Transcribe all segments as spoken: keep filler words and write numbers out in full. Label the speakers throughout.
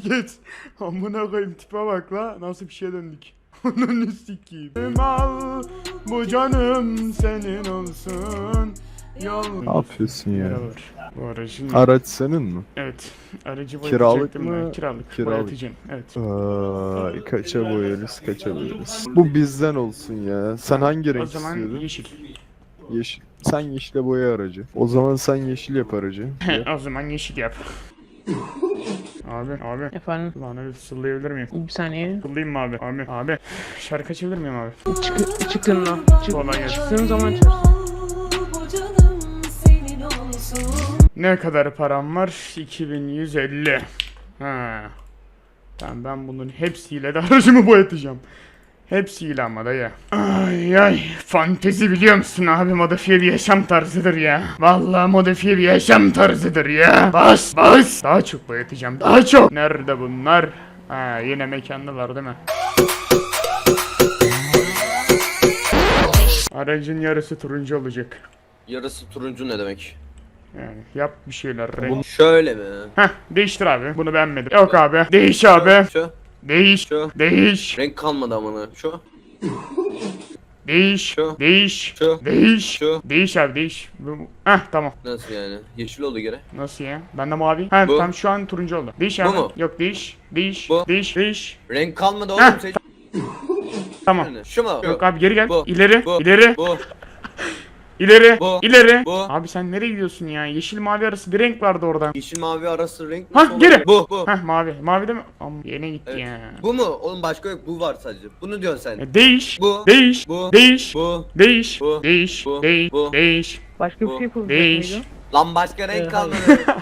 Speaker 1: geç. Amına koyayım tipe bak la. Nasıl bir şey döndük. Onun sikiyim. Al bu canım senin olsun. Yol.
Speaker 2: Ne yapıyorsun ya?
Speaker 1: Merhabalar. Bu aracın...
Speaker 2: Araç senin mi?
Speaker 1: Evet. Aracı
Speaker 2: Kiralık
Speaker 1: boyatacaktım
Speaker 2: mı?
Speaker 1: ben. Kiralık.
Speaker 2: Kiralık.
Speaker 1: Boyatacağım. Evet.
Speaker 2: Ay kaça boyarız kaça boyarız. Bu bizden olsun ya. Sen hangi
Speaker 1: O
Speaker 2: renk
Speaker 1: zaman
Speaker 2: istiyordun?
Speaker 1: yeşil.
Speaker 2: Yeşil. Sen yeşile boya aracı. O zaman sen yeşil yap aracı. Yap.
Speaker 1: O zaman yeşil yap. Abi, abi.
Speaker 3: Efendim,
Speaker 1: Lan öyle fısıldayabilir miyim?
Speaker 3: bir saniye.
Speaker 1: Fısıldayayım mı abi? Abi, abi. Şarkı açabilir miyim abi?
Speaker 3: Çık, çıkın lan. Çık,
Speaker 1: Kolay gelsin.
Speaker 3: çıktığın zaman açarsın.
Speaker 1: Ne kadar param var? iki bin yüz elli. Ha. Tamam ben bunun hepsiyle de aracımı boyatacağım. Hepsiyle ama dayı. Ay ay. Fantezi biliyor musun abi? Modifiye bir yaşam tarzıdır ya. Vallahi modifiye bir yaşam tarzıdır ya. Bas bas. Daha çok boyatacağım. Daha çok. Nerede bunlar? Ha yine mekandalar değil mi? Aracın yarısı turuncu olacak.
Speaker 4: Yarısı turuncu ne demek?
Speaker 1: Yani yap bir şeyler. Renk.
Speaker 4: Bunu şöyle mi?
Speaker 1: Heh değiştir abi. Bunu beğenmedim. Yok abi. Değiş abi.
Speaker 4: Şu.
Speaker 1: Değiş.
Speaker 4: Şu.
Speaker 1: Değiş.
Speaker 4: Renk kalmadı amına. Şu.
Speaker 1: Değiş.
Speaker 4: Şu.
Speaker 1: Değiş.
Speaker 4: Şu.
Speaker 1: Değiş.
Speaker 4: Şu.
Speaker 1: Değiş abi değiş. Bu- Heh tamam.
Speaker 4: Nasıl yani? Yeşil oldu gene.
Speaker 1: Nasıl ya? Ben de mavi. Ha
Speaker 4: Bu.
Speaker 1: tam şu an turuncu oldu. Değiş
Speaker 4: Bu
Speaker 1: abi.
Speaker 4: mu?
Speaker 1: Yok değiş. Değiş.
Speaker 4: Bu.
Speaker 1: Değiş. Değiş.
Speaker 4: Renk kalmadı
Speaker 1: Heh.
Speaker 4: oğlum. Seç.
Speaker 1: Tamam.
Speaker 4: Şu mu?
Speaker 1: Yok abi geri gel.
Speaker 4: Bu.
Speaker 1: İleri.
Speaker 4: Bu.
Speaker 1: İleri.
Speaker 4: Bu.
Speaker 1: İleri.
Speaker 4: Bu.
Speaker 1: İleri.
Speaker 4: Bu.
Speaker 1: Abi sen nereye gidiyorsun ya? Yeşil mavi arası bir renk vardı oradan.
Speaker 4: Yeşil mavi arası renk
Speaker 1: Hah,
Speaker 4: nasıl olur?
Speaker 1: geri.
Speaker 4: Bu. Bu.
Speaker 1: Heh mavi. Mavi de mi? Ama yine gitti
Speaker 4: Evet.
Speaker 1: ya.
Speaker 4: Bu mu? Oğlum başka yok. Bu var sadece. Bunu diyorsun sen.
Speaker 1: E, Değiş.
Speaker 4: Bu.
Speaker 1: Değiş.
Speaker 4: Bu.
Speaker 1: Değiş.
Speaker 4: Bu.
Speaker 1: Değiş.
Speaker 4: Bu.
Speaker 1: Değiş.
Speaker 4: Bu.
Speaker 1: Değiş.
Speaker 4: Bu.
Speaker 1: Değiş.
Speaker 3: Başka
Speaker 4: Bu.
Speaker 3: bir şey yapılacak
Speaker 1: Değiş.
Speaker 3: mıydı?
Speaker 4: Lan başka renk
Speaker 3: Ee,
Speaker 4: kalmadı.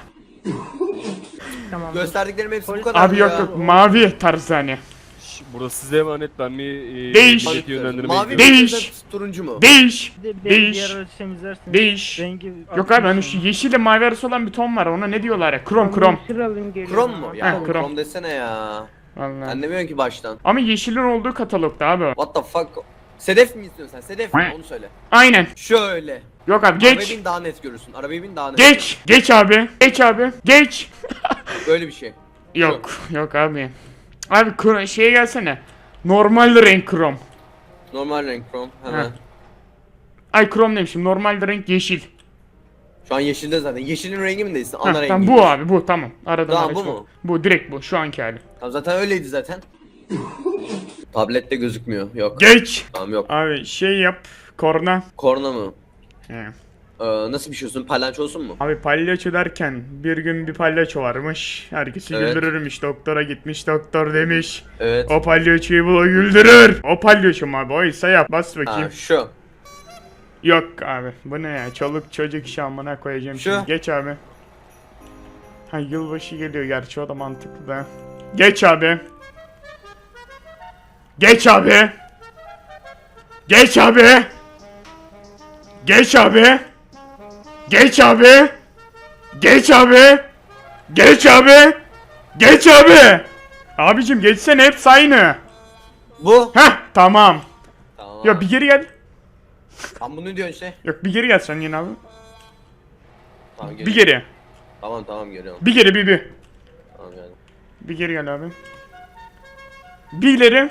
Speaker 3: Tamam.
Speaker 4: Gösterdiklerim hepsi bu kadar
Speaker 1: Abi yok yok mavi tarzı hani.
Speaker 5: Burası size emanet, ben bir e,
Speaker 1: Değiş.
Speaker 5: millet yönlendirmeye
Speaker 4: Mavi
Speaker 5: gidiyorum.
Speaker 1: Değiş.
Speaker 4: mi? Turuncu mu?
Speaker 1: Değiş.
Speaker 6: Bir de
Speaker 1: Değiş.
Speaker 6: diğer aracı temizlersin.
Speaker 1: Değiş.
Speaker 6: Rengi
Speaker 1: Yok abi hani şu yeşille mavi arası olan bir ton var ona ne diyorlar ya? Krom krom.
Speaker 3: Alayım, geliyorum.
Speaker 4: Krom mu? Ya
Speaker 1: Heh,
Speaker 4: oğlum,
Speaker 1: krom.
Speaker 4: krom desene ya.
Speaker 1: Vallahi.
Speaker 4: Anlamıyorum ki baştan.
Speaker 1: Ama yeşilin olduğu katalogda abi.
Speaker 4: What the fuck? Sedef mi istiyorsun sen? Sedef mi? Onu söyle.
Speaker 1: Aynen.
Speaker 4: Şöyle.
Speaker 1: Yok abi
Speaker 4: Arabaya
Speaker 1: geç.
Speaker 4: bin daha net görürsün. Arabaya bin daha net.
Speaker 1: Geç. Geç abi. Geç abi. Geç.
Speaker 4: Böyle bir şey.
Speaker 1: Yok. Yok abi. Abi kro- şeye gelsene. Normal renk krom.
Speaker 4: Normal renk krom. Hemen.
Speaker 1: Heh. Ay krom demişim. Normal renk yeşil.
Speaker 4: Şu an yeşilde zaten. Yeşilin rengi mi değilsin?
Speaker 1: Heh,
Speaker 4: Ana rengi.
Speaker 1: tamam bu abi bu tamam. Aradım
Speaker 4: Tamam,
Speaker 1: araç
Speaker 4: bu
Speaker 1: bu.
Speaker 4: mu?
Speaker 1: Bu direkt bu şu anki hali.
Speaker 4: Tamam zaten öyleydi zaten. Tablette gözükmüyor. Yok.
Speaker 1: Geç.
Speaker 4: Tamam yok.
Speaker 1: Abi şey yap. Korna.
Speaker 4: Korna mı?
Speaker 1: He.
Speaker 4: Ee, nasıl bir şey olsun? Palyaço olsun mu?
Speaker 1: Abi palyaço derken bir gün bir palyaço varmış. Herkesi
Speaker 4: Evet.
Speaker 1: güldürürmüş. Doktora gitmiş. Doktor demiş.
Speaker 4: Evet.
Speaker 1: O palyaçoyu bul o güldürür. O palyaço mu abi? Oysa yap. Bas bakayım.
Speaker 4: Ha şu.
Speaker 1: Yok abi. Bu ne ya? Çoluk çocuk işi amına koyacağım
Speaker 4: Şu.
Speaker 1: şimdi. Geç abi. Ha yılbaşı geliyor gerçi o da mantıklı da. Geç abi. Geç abi. Geç abi. Geç abi. Geç abi. Geç abi. Geç abi. Geç abi. Abicim geçsene hepsi aynı.
Speaker 4: Bu.
Speaker 1: Heh tamam.
Speaker 4: Tamam.
Speaker 1: Ya bir geri gel.
Speaker 4: Tam bunu diyorsun işte.
Speaker 1: Yok bir geri gel sen yine abi.
Speaker 4: Tamam
Speaker 1: Bir
Speaker 4: geliyorum.
Speaker 1: geri.
Speaker 4: Tamam tamam geliyorum.
Speaker 1: Bir geri bir bir.
Speaker 4: Tamam geldim.
Speaker 1: Bir geri gel abi. Bir ileri.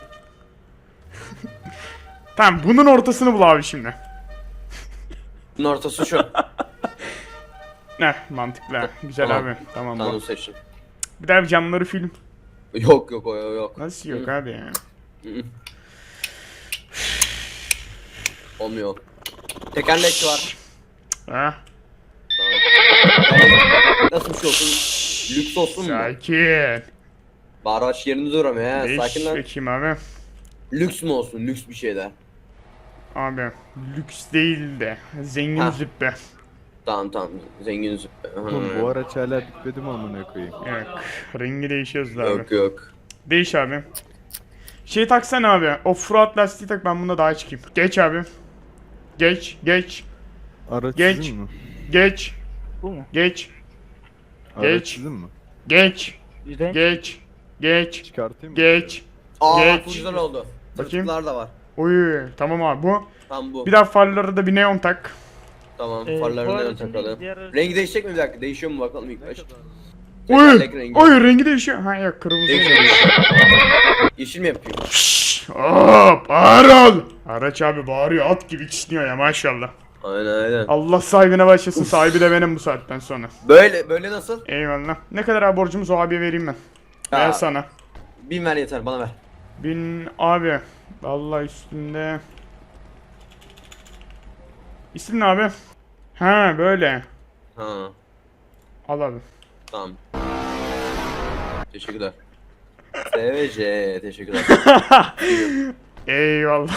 Speaker 1: Tamam bunun ortasını bul abi şimdi.
Speaker 4: Bunun ortası şu.
Speaker 1: Heh mantıklı. Güzel
Speaker 4: Tamam.
Speaker 1: abi. Tamam
Speaker 4: Tamam
Speaker 1: bu.
Speaker 4: seçtim.
Speaker 1: Bir daha bir camları film.
Speaker 4: Yok yok o yok.
Speaker 1: Nasıl yok abi ya?
Speaker 4: Olmuyor. Tekerlekli var.
Speaker 1: Ha?
Speaker 4: Nasıl bir şey olsun? Lüks olsun mu?
Speaker 1: Sakin.
Speaker 4: Bağıraç yerinde duramıyor ya.
Speaker 1: Değiş
Speaker 4: Sakin lan.
Speaker 1: bakayım abi.
Speaker 4: Lüks mü olsun? Lüks bir şeyler.
Speaker 1: Abi lüks değil de zengin
Speaker 4: Ha.
Speaker 1: züppe.
Speaker 4: Tamam tamam. Zengin züppe. Hı.
Speaker 2: Oğlum bu araç hala bitmedi mi amına koyayım?
Speaker 1: Yok. Rengi değişiyoruz da abi.
Speaker 4: Yok yok.
Speaker 1: Değiş abi. Şey taksana abi. Offroad lastiği tak ben bunda daha çıkayım. Geç abi. Geç. Geç.
Speaker 2: Araç
Speaker 1: Geç.
Speaker 2: sizin mi?
Speaker 1: Geç.
Speaker 6: Bu mu?
Speaker 1: Geç.
Speaker 2: Araç
Speaker 1: Geç.
Speaker 2: sizin mi?
Speaker 1: Geç.
Speaker 6: Renk
Speaker 1: Geç. Geç.
Speaker 2: Çıkartayım mı?
Speaker 1: Geç.
Speaker 4: Aa
Speaker 1: Geç.
Speaker 4: bu güzel oldu.
Speaker 1: Bakayım.
Speaker 4: Tırtıklar da var.
Speaker 1: Uy tamam abi bu.
Speaker 4: Tam bu.
Speaker 1: Bir daha farları da bir neon tak.
Speaker 4: Tamam
Speaker 6: Ee, bu
Speaker 4: farlarını da
Speaker 6: aracın
Speaker 4: takalım.
Speaker 6: diğer aracı-
Speaker 4: Rengi değişecek mi bir dakika? Değişiyor mu bakalım ilk baş.
Speaker 1: Oy,
Speaker 4: Tekerlek rengi.
Speaker 1: oy rengi değişiyor. Ha yok kırmızı.
Speaker 4: Yeşil mi yapıyor?
Speaker 1: Şşş, hop ağır ol. Araç abi bağırıyor at gibi kişniyor ya maşallah.
Speaker 4: Aynen aynen.
Speaker 1: Allah sahibine başlasın, sahibi de benim bu saatten sonra.
Speaker 4: Böyle böyle nasıl?
Speaker 1: Eyvallah. Ne kadar abi borcumuz o abiye vereyim ben. Ver
Speaker 4: Aa.
Speaker 1: sana.
Speaker 4: Bin ver yeter bana ver.
Speaker 1: Bin abi. Vallahi üstünde. İsim ne abi? Ha böyle.
Speaker 4: Ha
Speaker 1: Al abi.
Speaker 4: tamam. Teşekkürler. S V J teşekkürler.
Speaker 1: Eyvallah.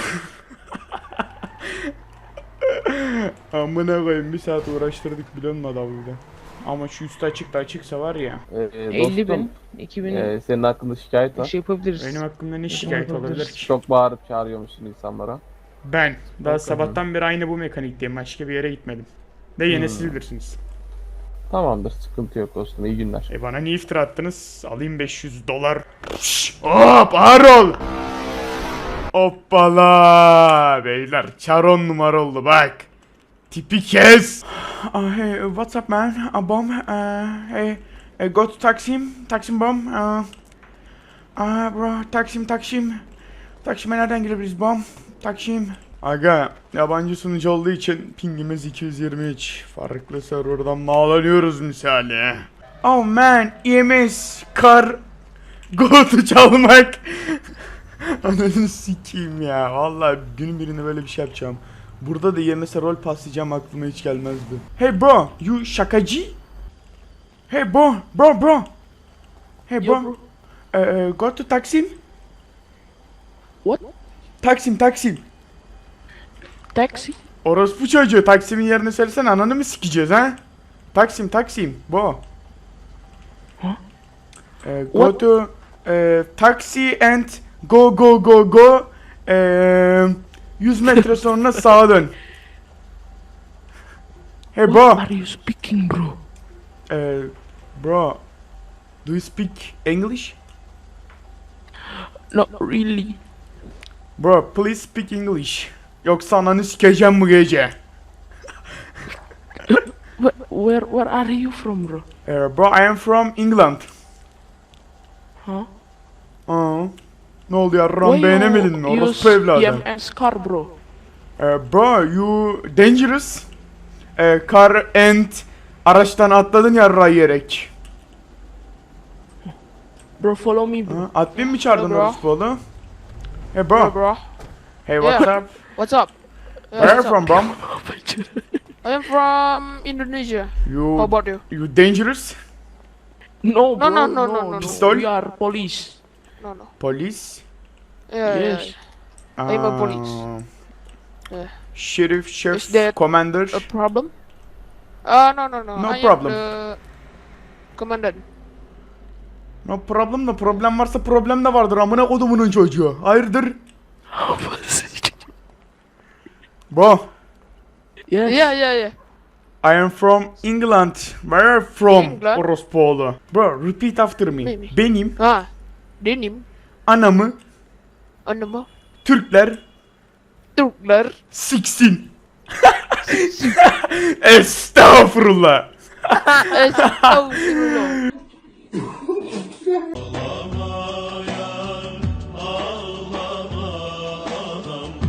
Speaker 1: Amına koyayım bir saat uğraştırdık biliyor musun adamla? Ama şu üstü açık da açıksa var ya.
Speaker 6: Ee,
Speaker 3: elli
Speaker 6: dostum,
Speaker 3: bin, iki bin
Speaker 6: ee, senin hakkında şikayet
Speaker 3: bir
Speaker 6: var.
Speaker 3: şey yapabiliriz.
Speaker 1: Benim hakkımda ne şikayet olabilir ki?
Speaker 6: Çok bağırıp çağırıyormuşsun insanlara.
Speaker 1: Ben daha
Speaker 6: Bakalım.
Speaker 1: sabahtan beri aynı bu mekanikteyim. Başka bir yere gitmedim. De yine
Speaker 6: Hmm.
Speaker 1: siz bilirsiniz.
Speaker 6: Tamamdır, sıkıntı yok dostum, iyi günler.
Speaker 1: E bana niye iftira attınız? Alayım beş yüz dolar. Şşş, hop ağır ol. Hoppala beyler çaron numara oldu bak. Tipi kes. Uh, hey, what's up man? A bomb. Uh, hey, hey, go to Taksim. Taksim bomb. Uh, uh, bro, Taksim, Taksim. Taksim'e nereden girebiliriz bomb? Taksim. Aga, yabancı sunucu olduğu için pingimiz iki yüz yirmi üç. Farklı serverdan bağlanıyoruz misali. Oh man, E M S, kar, gotu çalmak. Ananı sikeyim ya. Vallahi günün birinde böyle bir şey yapacağım. Burada da E M S'e rol paslayacağım aklıma hiç gelmezdi. Hey bro, you şakacı? Hey bro, bro bro. Hey bro.
Speaker 3: Yo, bro.
Speaker 1: Uh, go to Taksim.
Speaker 3: What?
Speaker 1: Taksim, Taksim.
Speaker 3: Taxi?
Speaker 1: Orospu çocuğu Taksim'in yerini söylesene ananı mı sikeceğiz ha? Taksim Taksim bu. Ee, go
Speaker 3: What?
Speaker 1: to e, taxi and go go go go Ee, yüz metre sonra sağa dön. Hey
Speaker 3: What
Speaker 1: bro.
Speaker 3: are you speaking bro?
Speaker 1: Ee, bro. Do you speak English?
Speaker 3: Not really.
Speaker 1: Bro please speak English. Yoksa ananı sikeceğim bu gece.
Speaker 3: Where, where, where are you from bro?
Speaker 1: Ee, bro I am from England.
Speaker 3: Huh?
Speaker 1: Aa, ne oldu ya?
Speaker 3: Why
Speaker 1: Ram
Speaker 3: you
Speaker 1: beğenemedin mi? Orospu
Speaker 3: use
Speaker 1: evladı.
Speaker 3: E M S car bro?
Speaker 1: Ee, bro you dangerous. Ee, car and araçtan atladın ya yiyerek.
Speaker 3: Bro follow me bro.
Speaker 1: Ha, admin mi çağırdın
Speaker 3: Bro.
Speaker 1: orospu oğlum? Hey
Speaker 3: Bro
Speaker 1: bro.
Speaker 3: bro.
Speaker 1: Hey what's
Speaker 3: Yeah.
Speaker 1: up?
Speaker 3: What's up? Yeah,
Speaker 1: Where are you
Speaker 3: what's
Speaker 1: from
Speaker 3: up?
Speaker 1: bro?
Speaker 3: I am from Indonesia. How
Speaker 1: You
Speaker 3: about you?
Speaker 1: you dangerous?
Speaker 3: No bro. no, no, no, no.
Speaker 1: Pistol?
Speaker 3: We are police. No no.
Speaker 1: Police?
Speaker 3: Yeah, yeah,
Speaker 1: Yes.
Speaker 3: yeah. I'm a police.
Speaker 1: Aa,
Speaker 3: Yeah.
Speaker 1: Sheriff,
Speaker 3: Is
Speaker 1: chef,
Speaker 3: that
Speaker 1: commander.
Speaker 3: A problem? Uh no no no.
Speaker 1: No
Speaker 3: I
Speaker 1: problem.
Speaker 3: Am the commandant.
Speaker 1: No problem da problem varsa problem de vardır amına kodumunun çocuğu. Hayırdır? Bro.
Speaker 3: Yes. Yeah yeah yeah.
Speaker 1: I am from England. Where are you from?
Speaker 3: England?
Speaker 1: Orospuoğlu. Bro, repeat after me.
Speaker 3: Maybe.
Speaker 1: Benim
Speaker 3: Ha. Denim.
Speaker 1: anamı
Speaker 3: Anama.
Speaker 1: Türkler
Speaker 3: Türkler.
Speaker 1: siksin. Estağfurullah.
Speaker 3: Estağfurullah.